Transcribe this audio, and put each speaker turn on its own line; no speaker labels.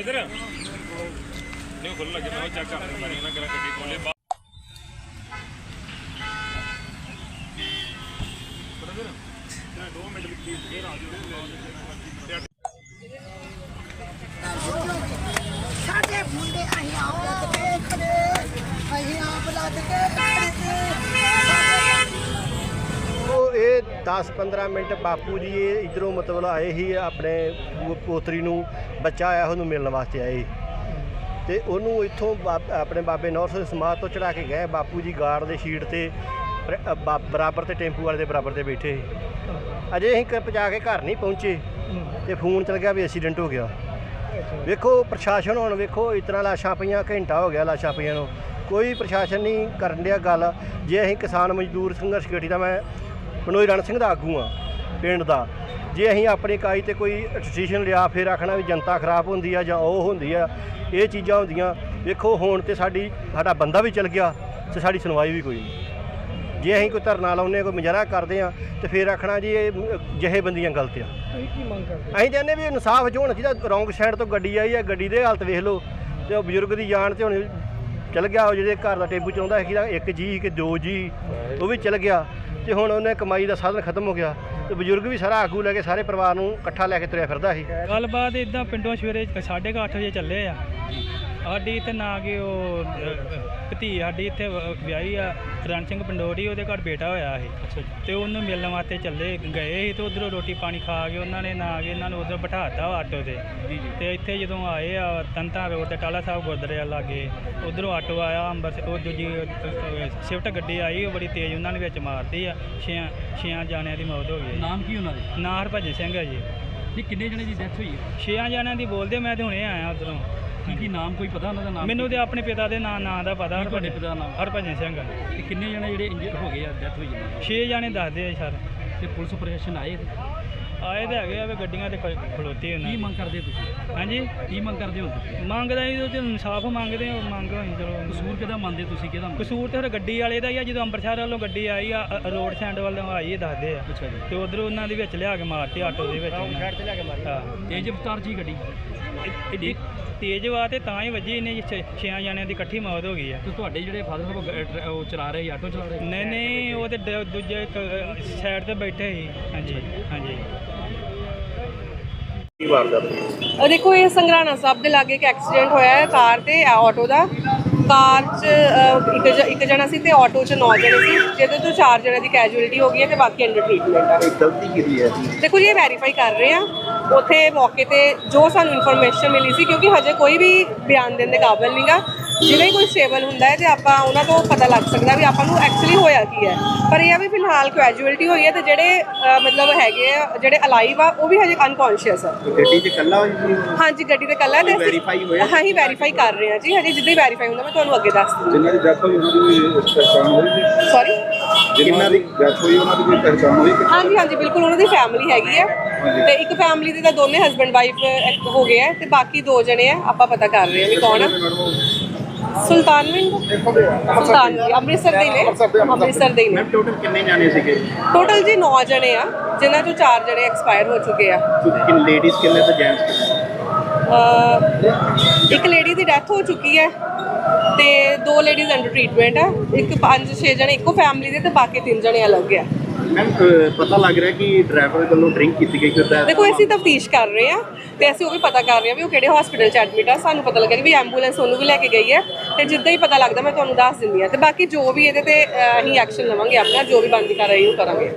इधर नहीं खुल लगे मैं चेक कर रहा ना करा गड्डी खोले ब्रदर 2 मिनट प्लीज फिर आ जाओ
साडे मुंडे अहीं आप देखदे अहीं आप लग के
ਇਹ 10-15 ਮਿੰਟ ਬਾਪੂ ਜੀ ਇਧਰੋਂ ਮਤਲਬ ਆਏ ਹੀ ਆਪਣੇ ਪੋਤਰੀ ਨੂੰ ਬੱਚਾ ਆਇਆ ਉਹਨੂੰ ਮਿਲਣ ਵਾਸਤੇ ਆਏ ਤੇ ਉਹਨੂੰ ਇੱਥੋਂ ਆਪਣੇ ਬਾਬੇ ਨੌਰ ਸਿੰਘ ਸਮਾਧ ਤੋਂ ਚੜਾ ਕੇ ਗਏ। ਬਾਪੂ ਜੀ ਗਾਰਡ ਦੇ ਸ਼ੀਟ ਤੇ ਬਰਾਬਰ ਤੇ ਟੈਂਪੂ ਵਾਲੇ ਦੇ ਬਰਾਬਰ ਤੇ ਬੈਠੇ ਅਜੇ ਅਸੀਂ ਪਹੁੰਚਾ ਕੇ ਘਰ ਨਹੀਂ ਪਹੁੰਚੇ ਤੇ ਫੋਨ ਚੱਲ ਗਿਆ ਵੀ ਐਕਸੀਡੈਂਟ ਹੋ ਗਿਆ। ਵੇਖੋ ਪ੍ਰਸ਼ਾਸਨ ਹੁਣ ਵੇਖੋ ਇਸ ਤਰ੍ਹਾਂ ਲਾਸ਼ਾਂ ਪਈਆਂ, ਘੰਟਾ ਹੋ ਗਿਆ ਲਾਸ਼ਾਂ ਪਈਆਂ ਨੂੰ, ਕੋਈ ਪ੍ਰਸ਼ਾਸਨ ਨਹੀਂ ਕਰਨ ਡਿਆ ਗੱਲ। ਜੇ ਅਸੀਂ ਕਿਸਾਨ ਮਜ਼ਦੂਰ ਸੰਘਰਸ਼ ਕਮੇਟੀ ਦਾ ਮੈਂ ਮਨੋਜ ਰਣ ਸਿੰਘ ਦਾ ਆਗੂ ਹਾਂ ਪਿੰਡ ਦਾ, ਜੇ ਅਸੀਂ ਆਪਣੀ ਇਕਾਈ 'ਤੇ ਕੋਈ ਡਿਸੀਸ਼ਨ ਲਿਆ ਫਿਰ ਆਖਣਾ ਵੀ ਜਨਤਾ ਖਰਾਬ ਹੁੰਦੀ ਆ ਜਾਂ ਉਹ ਹੁੰਦੀ ਆ, ਇਹ ਚੀਜ਼ਾਂ ਹੁੰਦੀਆਂ। ਵੇਖੋ ਹੁਣ ਤਾਂ ਸਾਡਾ ਬੰਦਾ ਵੀ ਚਲ ਗਿਆ ਅਤੇ ਸਾਡੀ ਸੁਣਵਾਈ ਵੀ ਕੋਈ ਨਹੀਂ। ਜੇ ਅਸੀਂ ਕੋਈ ਧਰਨਾ ਲਾਉਂਦੇ ਕੋਈ ਮੁਜ਼ਾਹਰਾ ਕਰਦੇ ਹਾਂ ਅਤੇ ਫਿਰ ਆਖਣਾ ਜੀ ਇਹ ਜਥੇਬੰਦੀਆਂ ਗਲਤ ਆ। ਅਸੀਂ ਚਾਹੁੰਦੇ ਵੀ ਇਨਸਾਫ ਜੋ ਹੋਣਾ ਚਾਹੀਦਾ। ਰੌਂਗ ਸਾਈਡ ਤੋਂ ਗੱਡੀ ਆਈ ਹੈ, ਗੱਡੀ ਦੇ ਹਾਲਤ ਵੇਖ ਲਓ ਅਤੇ ਉਹ ਬਜ਼ੁਰਗ ਦੀ ਜਾਨ 'ਤੇ ਹੁਣ ਚਲ ਗਿਆ। ਉਹ ਜਿਹੜੇ ਘਰ ਦਾ ਟੇਬੂ ਚਲਾਉਂਦਾ ਸੀ ਇੱਕ ਜੀ ਕਿ 2 ਜੀ ਉਹ ਵੀ ਚਲ ਗਿਆ ਅਤੇ ਹੁਣ ਉਹਨੇ ਕਮਾਈ ਦਾ ਸਾਧਨ ਖਤਮ ਹੋ ਗਿਆ ਅਤੇ ਬਜ਼ੁਰਗ ਵੀ ਸਾਰਾ ਆਗੂ ਲੈ ਕੇ ਸਾਰੇ ਪਰਿਵਾਰ ਨੂੰ ਇਕੱਠਾ ਲੈ ਕੇ ਤੁਰਿਆ ਫਿਰਦਾ ਸੀ।
ਗੱਲਬਾਤ ਇੱਦਾਂ ਪਿੰਡੋਂ ਸਵੇਰੇ 8:30 ਵਜੇ ਚੱਲੇ ਆ। ਸਾਡੀ ਇੱਥੇ ਨਾ ਕਿ ਉਹ ਭਤੀ ਸਾਡੀ ਇੱਥੇ ਵਿਆਹੀ ਆ ਰਣ ਸਿੰਘ ਪੰਡੋਰੀ, ਉਹਦੇ ਘਰ ਬੇਟਾ ਹੋਇਆ ਸੀ ਅਤੇ ਉਹਨੂੰ ਮਿਲਣ ਵਾਸਤੇ ਚੱਲੇ ਗਏ ਸੀ ਅਤੇ ਉੱਧਰੋਂ ਰੋਟੀ ਪਾਣੀ ਖਾ ਕੇ ਉਹਨਾਂ ਨੇ ਨਾ ਕਿ ਇਹਨਾਂ ਨੂੰ ਉੱਧਰ ਬਿਠਾ ਦਿੱਤਾ ਆਟੋ 'ਤੇ ਅਤੇ ਇੱਥੇ ਜਦੋਂ ਆਏ ਆ ਤਨਤਾਂ ਰੋਡ 'ਤੇ ਟਾਲਾ ਸਾਹਿਬ ਗੁਰਦੁਆਰੇ ਲਾਗੇ ਉੱਧਰੋਂ ਆਟੋ ਆਇਆ ਅੰਬਰਸਰ, ਉਹ ਦੂਜੀ ਸ਼ਿਫਟ ਗੱਡੀ ਆਈ ਉਹ ਬੜੀ ਤੇਜ਼ ਉਹਨਾਂ ਨੇ ਵਿੱਚ ਮਾਰਤੀ ਆ। 6 ਜਾਣਿਆਂ ਦੀ ਮੌਤ ਹੋ ਗਈ।
ਨਾਮ ਕੀ ਉਹਨਾਂ ਦੇ?
ਨਾਂ ਹਰਭਜਨ ਸਿੰਘ ਆ ਜੀ।
ਨਹੀਂ ਕਿੰਨੇ ਜਣੇ ਦੀ ਡੈਥ ਹੋਈ ਹੈ?
6 ਜਾਣਿਆਂ ਦੀ ਬੋਲਦੇ, ਮੈਂ ਤਾਂ ਹੁਣੇ ਆਇਆ ਉੱਧਰੋਂ।
ਕੀ ਨਾਮ ਕੋਈ ਪਤਾ ਉਹਨਾਂ ਦਾ ਨਾਮ?
ਮੈਨੂੰ ਤੇ ਆਪਣੇ ਪਿਤਾ ਦੇ ਨਾਂ ਦਾ ਪਤਾ।
ਤੁਹਾਡੇ ਪਿਤਾ ਦਾ ਨਾਮ?
ਹਰਭਜਨ ਸਿੰਘ।
ਤੇ ਕਿੰਨੇ ਜਣੇ ਜਿਹੜੇ ਇੰਜਰਡ ਹੋ ਗਏ ਆ, ਡੈਥ ਹੋਈ ਹੈ?
6 ਜਾਣੇ ਦੱਸਦੇ ਆ ਸਰ।
ਤੇ ਪੁਲਿਸ ਪ੍ਰਸ਼ਾਸਨ ਆਏ
ਆਏ ਤਾਂ ਹੈਗੇ ਆ ਵੀ ਗੱਡੀਆਂ ਤੇ ਖਲੋਤੇ ਉਹਨਾਂ
ਕੀ ਮੰਗ ਕਰਦੇ ਤੁਸੀਂ?
ਹਾਂਜੀ
ਕੀ ਮੰਗ ਕਰਦੇ ਹੋ ਤੁਸੀਂ?
ਮੰਗਦਾ ਜੀ ਤੇ ਇਨਸਾਫ ਮੰਗਦੇ ਆ। ਮੰਗ ਹੋਈ ਚਲੋ।
ਕਸੂਰ ਕਿਹਦਾ ਮੰਨਦੇ ਤੁਸੀਂ? ਕਿਹਦਾ
ਕਸੂਰ ਤੇ ਫਿਰ ਗੱਡੀ ਵਾਲੇ ਦਾ ਹੀ ਆ। ਜਦੋਂ ਅੰਮ੍ਰਿਤਸਰ ਵੱਲੋਂ ਗੱਡੀ ਆਈ ਆ ਰੋਡ ਸਾਈਡ ਵੱਲੋਂ ਆਈ ਇਹ ਦੱਸਦੇ ਆ।
ਅੱਛਾ ਜੀ।
ਤੇ ਉਧਰੋਂ ਉਹਨਾਂ ਦੇ ਵਿੱਚ ਲਿਆ ਕੇ ਮਾਰਤੀ ਆਟੋ ਦੇ ਵਿੱਚ। ਹਾਂ
ਤੇਜ਼ ਰਫ਼ਤਾਰ ਜੀ ਗੱਡੀ
ਇਹ ਤੇਜ਼ ਵਾ ਤੇ ਤਾਂ ਹੀ ਵੱਜੀ। ਇਹਨੇ 6 ਜਾਣਿਆਂ ਦੀ ਇਕੱਠੀ ਮੌਤ ਹੋ ਗਈ ਆ।
ਤੇ ਤੁਹਾਡੇ ਜਿਹੜੇ ਫਾਦਰ ਸਾਹਿਬ ਉਹ ਚਲਾ ਰਹੇ ਆਟੋ ਚਲਾ ਰਹੇ?
ਨਹੀਂ ਉਹ ਤੇ ਦੂਜੇ ਸਾਈਡ ਤੇ ਬੈਠੇ ਸੀ। ਹਾਂਜੀ ਹਾਂਜੀ।
देखो ये संगराना साहब के लागे एक एक्सीडेंट होया है कार ते ऑटो का। कार च एक जना सी ते ऑटो च 9 जने सी, जिहदे तो 4 जने की कैजुअलिटी हो गई है ते बाकी अंडर ट्रीटमेंट है।
ਗਲਤੀ ਕੀਤੀ ਹੈ
देखो जी वेरीफाई कर रहे हैं उत्थे मौके ते जो सानू इन्फॉर्मेशन मिली सी, क्योंकि हजे कोई भी बयान देने काबिल नहीं गा। जिवें कोई स्टेबल हुंदा है ते आपां उन्हां तों पता लग सकदा भी आपां नूं एक्चुअली होया की है। पर यह भी फिलहाल कैजुअलिटी हुई है ते जिहड़े मतलब हैगे आ जिहड़े अलाइव आ वो भी हजे अनकॉन्शियस है।
ਗੱਡੀ 'ਚ ਇਕੱਲਾ ਹੋਈ?
हाँ जी गड्डी ते कल्ला ते
ਵੈਰੀਫਾਈ ਹੋਇਆ?
हाँ ही वेरीफाई कर रहे हैं जी। हजे जिद्दां ही वेरीफाई हुंदा मैं तुहानूं अगे दस दूँ।
ਜਿਨ੍ਹਾਂ ਦੀ ਡੈਥ ਹੋਈ ਉਹਨਾਂ ਦੀ ਪਹਿਚਾਣ ਹੋਈ ਸੀ?
सॉरी
ਜਿਨ੍ਹਾਂ ਦੀ ਡੈਥ ਹੋਈ ਉਹਨਾਂ ਦੀ ਕੋਈ ਪਹਿਚਾਣ ਹੋਈ?
हाँ जी हाँ जी बिल्कुल उन्होंने फैमिली हैगी है ते एक फैमिली दे तां दोने हस्बैंड वाइफ हो गए हैं ते बाकी 2 जने हैं आपां पता कर रहे हैं भी कौन है। सुल्तानविंद सुल्तान अमृतसर दे ने अमृतसर दे ने।
ਟੋਟਲ ਕਿੰਨੇ ਜਾਣੇ ਸੀਗੇ?
टोटल जी 9 जने आ जिन्हां चों 4 जने एक्सपायर हो चुके आ।
ਕਿ ਲੇਡੀਜ਼ ਕਿੰਨੇ ਤੇ ਜੈਂਟਸ ਕਿੰਨੇ?
एक लेडी की डेथ हो चुकी है ते 2 लेडीज़ अंडर ट्रीटमेंट है। एक 5-6 जने इको फैमिली दे ते बाकी 3 जने अलग है।
ਮੈਮ ਪਤਾ ਲੱਗ ਰਿਹਾ ਕਿ ਡਰਾਈਵਰ ਵੱਲੋਂ ਡਰਿੰਕ ਕੀਤੀ ਗਈ ਫਿਰ?
देखो ਅਸੀਂ ਤਫਤੀਸ਼ ਕਰ ਰਹੇ ਹਾਂ ਤੇ ਅਸੀਂ ਉਹ ਵੀ ਪਤਾ ਕਰ ਰਹੇ ਹਾਂ ਵੀ ਉਹ ਕਿਹੜੇ ਹਸਪੀਟਲ 'ਚ ਐਡਮਿਟ ਆ। ਸਾਨੂੰ ਪਤਾ ਲੱਗਿਆ ਕਿ ਵੀ ਐਂਬੂਲੈਂਸ ਉਹਨੂੰ ਵੀ ਲੈ ਕੇ ਗਈ ਹੈ ਤੇ ਜਿੱਦਾਂ ਹੀ ਪਤਾ ਲੱਗਦਾ ਮੈਂ ਤੁਹਾਨੂੰ ਦੱਸ ਦਿੰਦੀ ਹਾਂ। ਤੇ ਬਾਕੀ ਜੋ ਵੀ ਇਹਦੇ ਤੇ ਅਸੀਂ ਐਕਸ਼ਨ ਲਵਾਂਗੇ ਆਪਣਾ, ਜੋ ਵੀ ਬਣਦੀ ਕਾਰਵਾਈ ਉਹ ਕਰਾਂਗੇ।